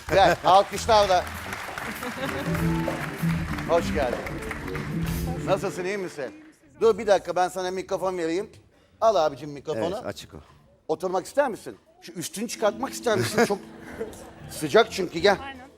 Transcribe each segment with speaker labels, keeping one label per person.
Speaker 1: Gel, alkışlarla. Hoş geldin. Nasılsın, iyi misin? Dur bir dakika, ben sana mikrofon vereyim. Al abicim mikrofonu.
Speaker 2: Evet, açık o.
Speaker 1: Oturmak ister misin? Şu üstünü çıkartmak ister misin? Çok sıcak çünkü, gel.
Speaker 3: Aynen.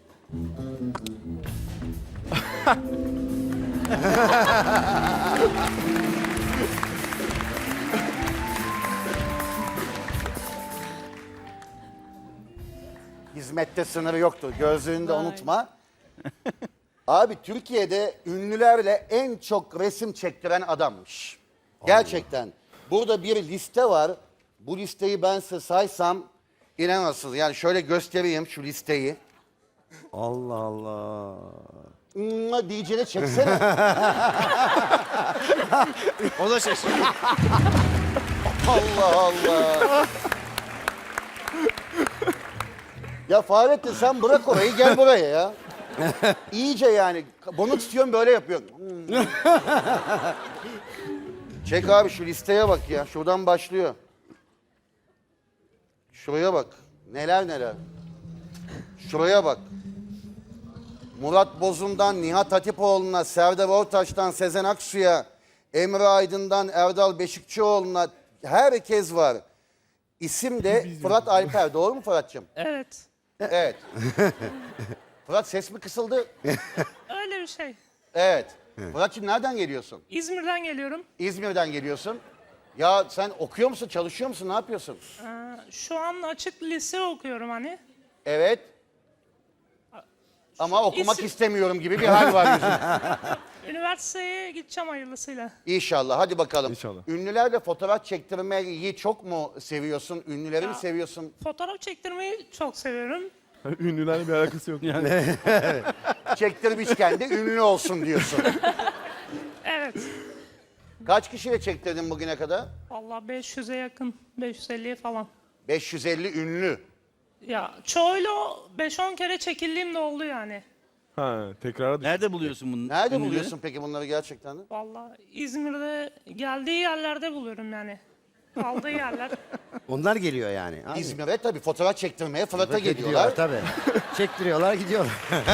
Speaker 1: Hizmette sınırı yoktur. Gözlüğünü de unutma. Abi Türkiye'de ünlülerle en çok resim çektiren adammış. Gerçekten. Burada bir liste var. Bu listeyi ben size saysam inanamazsınız. Yani şöyle göstereyim şu listeyi.
Speaker 2: Allah Allah.
Speaker 1: Diyeceğine çeksene.
Speaker 4: O da şaşırdı.
Speaker 1: Allah Allah. Ya Fahrettin sen bırak orayı, gel buraya ya. İyice yani. Bunu tutuyorum, böyle yapıyorum. Çek abi, şu listeye bak ya. Şuradan başlıyor. Şuraya bak. Neler neler. Şuraya bak. Murat Bozum'dan Nihat Hatipoğlu'na, Serdar Ortaç'tan Sezen Aksu'ya, Emre Aydın'dan Erdal Beşikçioğlu'na herkes var. İsim de Fırat Alper. Doğru mu Fırat'cığım?
Speaker 3: Evet.
Speaker 1: Evet. Fırat, ses mi kısıldı?
Speaker 3: Öyle bir şey.
Speaker 1: Evet. Fırat'cığım nereden geliyorsun?
Speaker 3: İzmir'den geliyorum.
Speaker 1: İzmir'den geliyorsun. Ya sen okuyor musun, çalışıyor musun, ne yapıyorsun?
Speaker 3: Şu an açık lise okuyorum hani.
Speaker 1: Evet. Ama okumak
Speaker 3: İsim-
Speaker 1: istemiyorum gibi bir hal var yüzünde.
Speaker 3: Üniversiteye gideceğim hayırlısıyla.
Speaker 1: İnşallah, hadi bakalım.
Speaker 4: İnşallah.
Speaker 1: Ünlülerle fotoğraf çektirmeyi çok mu seviyorsun? Ünlüleri mi
Speaker 3: Ya.
Speaker 1: seviyorsun?
Speaker 3: Fotoğraf çektirmeyi çok seviyorum.
Speaker 4: Ünlülerle bir alakası yok. Yani.
Speaker 1: Çektirmişken de ünlü olsun diyorsun.
Speaker 3: Evet.
Speaker 1: Kaç kişiyle çektirdin bugüne kadar?
Speaker 3: Vallahi 500'e yakın. 550'ye falan.
Speaker 1: 550 ünlü.
Speaker 3: Ya çoğuyla 5-10 kere çekildiğim de oldu yani.
Speaker 4: Ha, tekrara düştü.
Speaker 5: Nerede buluyorsun bunu?
Speaker 1: Nerede
Speaker 5: ünlüleri?
Speaker 1: buluyorsun peki bunları gerçekten de?
Speaker 3: Vallahi İzmir'de geldiği yerlerde buluyorum yani. Kaldığı yerler.
Speaker 2: Onlar geliyor yani. Abi.
Speaker 1: İzmir'e tabii fotoğraf çektirmeye Fırat'a
Speaker 2: Gidiyorlar
Speaker 1: geliyorlar.
Speaker 2: tabii. Çektiriyorlar, gidiyorlar.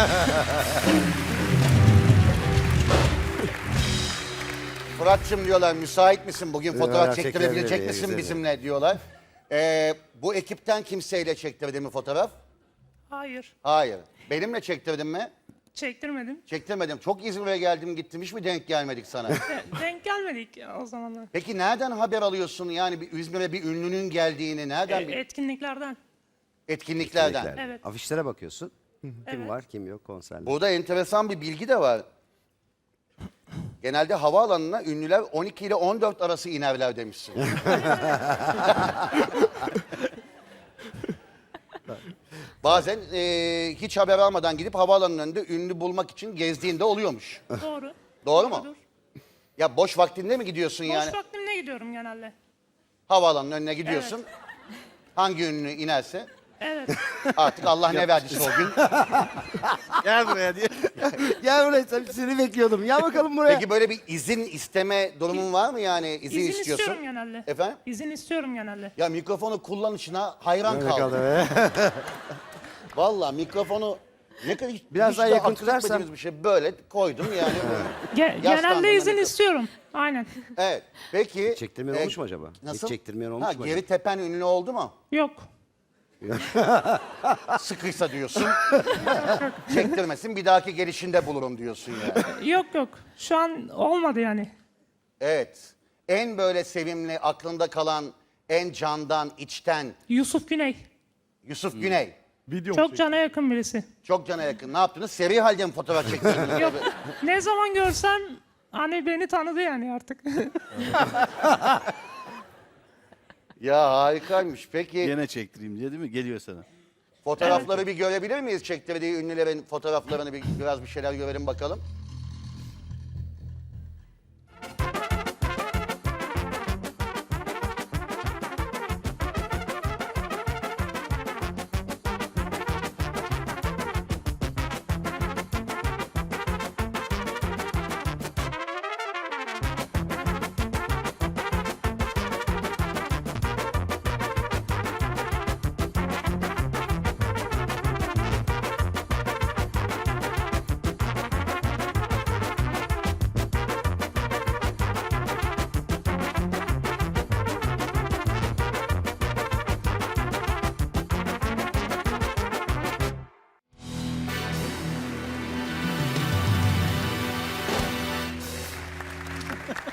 Speaker 1: Fırat'cığım diyorlar, müsait misin bugün fotoğraf
Speaker 2: Fotoğraf
Speaker 1: çektirebilecek
Speaker 2: çekilebilir,
Speaker 1: misin
Speaker 2: güzel.
Speaker 1: bizimle diyorlar. Bu ekipten kimseyle çektirdin mi fotoğraf?
Speaker 3: Hayır.
Speaker 1: Hayır. Benimle çektirdin mi?
Speaker 3: Çektirmedim.
Speaker 1: Çektirmedim. Çok İzmir'e geldim gittim, hiç mi denk gelmedik sana?
Speaker 3: Denk gelmedik o zamanlar.
Speaker 1: Peki nereden haber alıyorsun yani bir İzmir'e bir ünlünün geldiğini? Nereden?
Speaker 3: Etkinliklerden.
Speaker 1: Etkinliklerden.
Speaker 3: Evet.
Speaker 2: Afişlere bakıyorsun. Kim
Speaker 3: Evet.
Speaker 2: var, kim yok konserler.
Speaker 1: Burada enteresan bir bilgi de var. Genelde havaalanına ünlüler 12 ile 14 arası inerler demişsin. Bazen hiç haber almadan gidip havaalanının önünde ünlü bulmak için gezdiğinde oluyormuş.
Speaker 3: Doğru.
Speaker 1: Doğru mu?
Speaker 3: Doğrudur.
Speaker 1: Ya boş vaktinde mi gidiyorsun yani?
Speaker 3: Boş vaktimde gidiyorum genelde.
Speaker 1: Havaalanının önüne gidiyorsun. Hangi ünlü inerse
Speaker 3: Evet.
Speaker 1: artık Allah ne verdiyse o gün.
Speaker 5: Gel buraya diye.
Speaker 2: Gel buraya, seni bekliyordum. Gel bakalım buraya.
Speaker 1: Peki böyle bir izin isteme durumun var mı yani? İzin
Speaker 3: İzin
Speaker 1: istiyorsun.
Speaker 3: istiyorum genelde.
Speaker 1: Efendim?
Speaker 3: İzin istiyorum genelde.
Speaker 1: Ya mikrofonu kullanışına hayran
Speaker 2: Öyle
Speaker 1: kaldım.
Speaker 2: kaldı be.
Speaker 1: Vallahi mikrofonu ne kadar
Speaker 2: Biraz
Speaker 1: hiç
Speaker 2: daha
Speaker 1: de
Speaker 2: yakın
Speaker 1: akıl
Speaker 2: tutarsan.
Speaker 1: etmediğimiz bir şey böyle koydum yani.
Speaker 3: Genelde
Speaker 1: Yaslandığında
Speaker 3: izin
Speaker 1: mikrofon.
Speaker 3: istiyorum. Aynen.
Speaker 1: Evet. Peki.
Speaker 2: Çektirmeyen olmuş mu acaba?
Speaker 1: Nasıl?
Speaker 2: Hiç çektirmeyen olmuş
Speaker 1: ha,
Speaker 2: mu
Speaker 1: geri
Speaker 2: acaba?
Speaker 1: tepen ünlü oldu mu?
Speaker 3: Yok.
Speaker 1: Sıkıysa diyorsun. Çektirmesin, bir dahaki gelişinde bulurum diyorsun yani.
Speaker 3: Yok yok. Şu an olmadı yani.
Speaker 1: Evet. En böyle sevimli, aklında kalan, en candan, içten
Speaker 3: Yusuf Güney.
Speaker 1: Yusuf Güney.
Speaker 4: Video mu
Speaker 3: Çok
Speaker 4: çekti?
Speaker 3: cana yakın birisi.
Speaker 1: Çok cana yakın. Ne yaptınız? Seri halde mi fotoğraf çektirdiniz?
Speaker 3: Yok. Ne zaman görsem hani beni tanıdı yani artık.
Speaker 1: Ya harikaymış. Peki
Speaker 5: Gene çektireyim diye değil mi? Geliyor sana.
Speaker 1: fotoğrafları bir görebilir miyiz? Çektirdiği ünlülerin fotoğraflarını biraz bir şeyler görelim bakalım.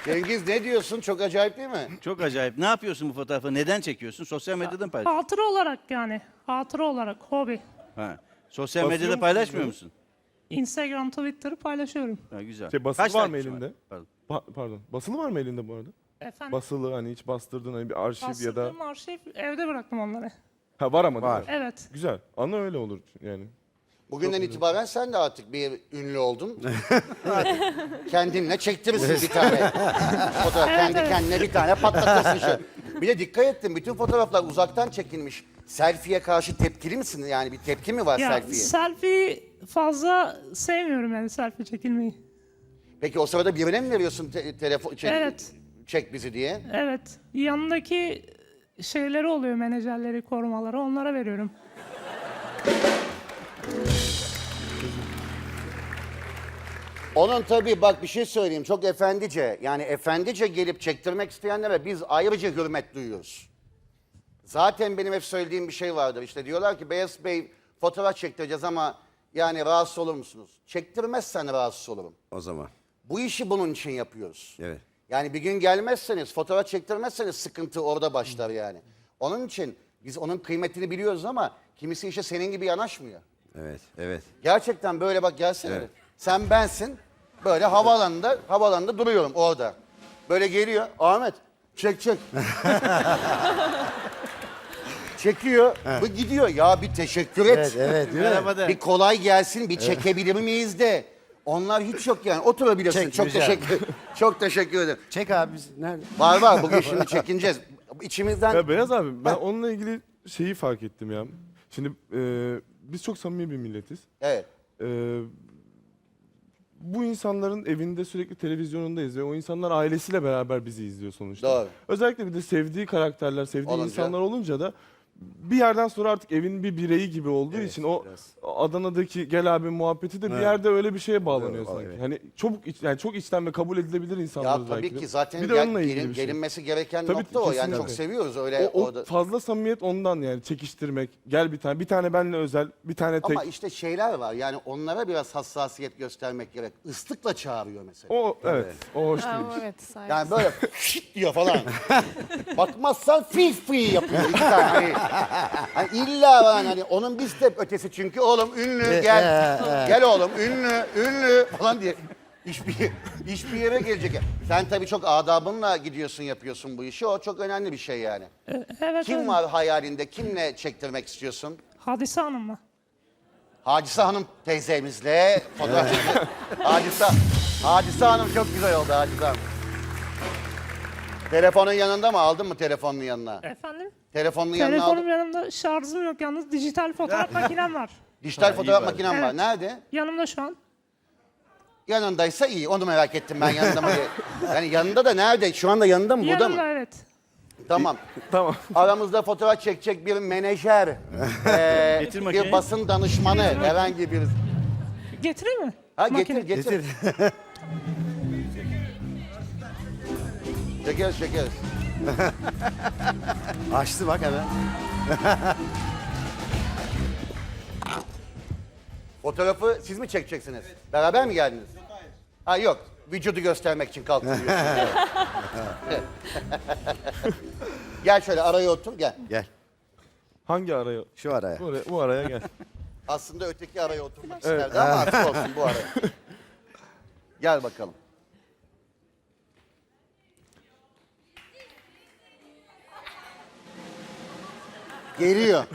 Speaker 1: Cengiz ne diyorsun? Çok acayip değil mi?
Speaker 5: Çok acayip. Ne yapıyorsun bu fotoğrafı? Neden çekiyorsun? Sosyal medyadan paylaş.
Speaker 3: Hatıra olarak yani. Hatıra olarak, hobi.
Speaker 5: Ha. Sosyal
Speaker 4: Basıyor
Speaker 5: medyada
Speaker 4: musun
Speaker 5: paylaşmıyor
Speaker 4: bunu?
Speaker 5: musun?
Speaker 3: Instagram, Twitter'ı paylaşıyorum.
Speaker 5: Ha, güzel.
Speaker 4: Basılı var mı
Speaker 5: takipçin
Speaker 4: elinde?
Speaker 5: Pardon.
Speaker 4: Pardon. Basılı var mı elinde bu arada?
Speaker 3: Efendim,
Speaker 4: Basılı hani hiç bastırdın hani bir arşiv ya da...
Speaker 3: bastırdığım arşiv, evde bıraktım onları.
Speaker 4: Ha var ama değil mi?
Speaker 3: Evet.
Speaker 4: Güzel. Ana öyle olur yani.
Speaker 1: Bugünden itibaren sen de artık bir ünlü oldun. Kendinle çektirirsin bir tane. Fotoğraf kendi
Speaker 3: evet.
Speaker 1: kendine bir tane patlatırsın şu. Bir de dikkat ettim, bütün fotoğraflar uzaktan çekilmiş. Selfie'ye karşı tepkili misin? Yani bir tepki mi var
Speaker 3: Ya
Speaker 1: selfie'ye?
Speaker 3: selfie fazla sevmiyorum yani, selfie çekilmeyi.
Speaker 1: Peki o sırada birine mi veriyorsun telefon
Speaker 3: Evet.
Speaker 1: çek bizi diye?
Speaker 3: Evet. Yanındaki şeyleri oluyor, menajerleri, korumaları, onlara veriyorum.
Speaker 1: Onun tabii bak bir şey söyleyeyim, çok efendice, yani efendice gelip çektirmek isteyenlere biz ayrıca hürmet duyuyoruz. Zaten benim hep söylediğim bir şey vardır, işte diyorlar ki Beyaz Bey fotoğraf çektireceğiz ama yani rahatsız olur musunuz? Çektirmezsen rahatsız olurum.
Speaker 2: O zaman.
Speaker 1: Bu işi bunun için yapıyoruz.
Speaker 2: Evet.
Speaker 1: Yani bir gün gelmezseniz, fotoğraf çektirmezseniz sıkıntı orada başlar yani. Onun için biz onun kıymetini biliyoruz ama kimisi işte senin gibi yanaşmıyor.
Speaker 2: Evet. Evet.
Speaker 1: Gerçekten böyle bak gelsene.
Speaker 2: Evet.
Speaker 1: Sen bensin. Böyle havaalanında duruyorum orada. Böyle geliyor. Ahmet çek. Çekiyor. Bu gidiyor. Ya bir teşekkür et.
Speaker 2: Evet, evet. Değil mi?
Speaker 5: Merhaba de.
Speaker 1: Bir kolay gelsin. Bir çekebilir miyiz de. Onlar hiç yok yani. Oturabilirsin.
Speaker 2: Çek,
Speaker 1: çok
Speaker 2: rica
Speaker 1: çok teşekkür ederim.
Speaker 2: Çek abi. Nerede?
Speaker 1: Var. Bugün şimdi çekineceğiz. İçimizden
Speaker 4: Ya Beyaz abi ben onunla ilgili şeyi fark ettim ya. Şimdi biz çok samimi bir milletiz.
Speaker 1: evet.
Speaker 4: E, bu insanların evinde sürekli televizyonundayız ve o insanlar ailesiyle beraber bizi izliyor sonuçta.
Speaker 1: Doğru.
Speaker 4: Özellikle bir de sevdiği karakterler, sevdiği
Speaker 1: Olunca.
Speaker 4: insanlar olunca da bir yerden sonra artık evin bir bireyi gibi olduğu
Speaker 2: Evet,
Speaker 4: için o
Speaker 2: biraz.
Speaker 4: Adana'daki gel abi muhabbeti de bir
Speaker 2: Evet.
Speaker 4: yerde öyle bir şeye bağlanıyor
Speaker 2: Evet,
Speaker 4: sanki.
Speaker 2: evet.
Speaker 4: Hani yani çok içten ve kabul edilebilir insanlar
Speaker 1: Ya tabii
Speaker 4: belki de.
Speaker 1: ki zaten
Speaker 4: bir de onunla ilgili bir şey.
Speaker 1: gelinmesi gereken
Speaker 4: Tabii,
Speaker 1: nokta o. Yani
Speaker 4: kesinlikle.
Speaker 1: çok seviyoruz öyle
Speaker 4: O
Speaker 1: orada.
Speaker 4: fazla samimiyet ondan yani çekiştirmek. Gel bir tane benle özel, bir tane tek.
Speaker 1: Ama işte şeyler var yani onlara biraz hassasiyet göstermek gerek. Islıkla çağırıyor mesela.
Speaker 4: O evet, o hoş değil.
Speaker 6: Evet, sahip.
Speaker 1: Yani böyle şit diyor falan. Bakmazsan fi yapıyor iki tane. Hani illa var hani onun bir step ötesi çünkü oğlum ünlü gel. Gel oğlum ünlü falan diye. Hiçbir yere gelecek. Sen tabii çok adabınla gidiyorsun yapıyorsun bu işi. O çok önemli bir şey yani.
Speaker 3: Evet.
Speaker 1: Kim
Speaker 3: evet.
Speaker 1: var hayalinde? Kimle çektirmek istiyorsun?
Speaker 3: Hadise Hanım'la.
Speaker 1: Hadise Hanım teyzemizle fotoğraf çekti. Hadise Hanım çok güzel oldu Hadise Hanım. Telefonun yanında mı? Aldın mı telefonun yanına?
Speaker 3: Efendim?
Speaker 1: Telefonun yanına aldın.
Speaker 3: Telefonum yanımda, şarjım yok yalnız, dijital fotoğraf makinem var.
Speaker 1: Dijital fotoğraf
Speaker 5: iyi bari.
Speaker 1: makinem var.
Speaker 3: Evet.
Speaker 1: Nerede?
Speaker 3: Yanımda şu an.
Speaker 1: Yanındaysa iyi. Onu merak ettim ben yanında mı diye. Yani yanında da nerede? Şu anda yanında mı? Burada
Speaker 3: Yanımda
Speaker 1: mı?
Speaker 3: evet.
Speaker 1: Tamam.
Speaker 4: Tamam.
Speaker 1: Aramızda fotoğraf çekecek bir menajer,
Speaker 5: Getir
Speaker 1: bir
Speaker 5: makineyi.
Speaker 1: basın danışmanı, herhangi bir...
Speaker 3: Getireyim mi?
Speaker 1: Ha
Speaker 3: Makine.
Speaker 1: getir. Çekeriz.
Speaker 2: Açtı bak hemen.
Speaker 1: Fotoğrafı siz mi çekeceksiniz? Beraber mi geldiniz? Yok hayır. Ha yok. Vücudu göstermek için kalktım. Gel şöyle araya otur gel.
Speaker 2: Gel.
Speaker 4: Hangi araya?
Speaker 2: Şu araya.
Speaker 4: Bu araya gel.
Speaker 1: Aslında öteki araya oturmak isterdi ama artık olsun bu araya. Gel bakalım. Geliyor.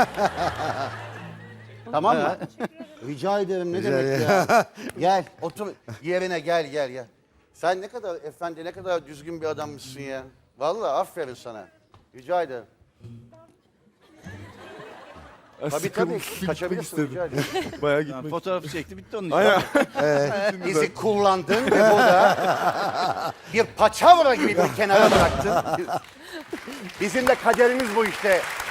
Speaker 1: Tamam mı? Rica ederim ne demek ya. Gel otur yerine gel. Sen ne kadar efendi ne kadar düzgün bir adammışsın ya. Vallahi aferin sana. Rica ederim. Tabii kaçabilirsin rica ederim.
Speaker 4: Bayağı
Speaker 5: Tamam,
Speaker 4: gitmek.
Speaker 5: fotoğrafı çekti bitti onun için.
Speaker 4: Aynen.
Speaker 1: Bizi kullandın ve burada bir paçavra gibi bir kenara bıraktın. Bizim de kaderimiz bu işte.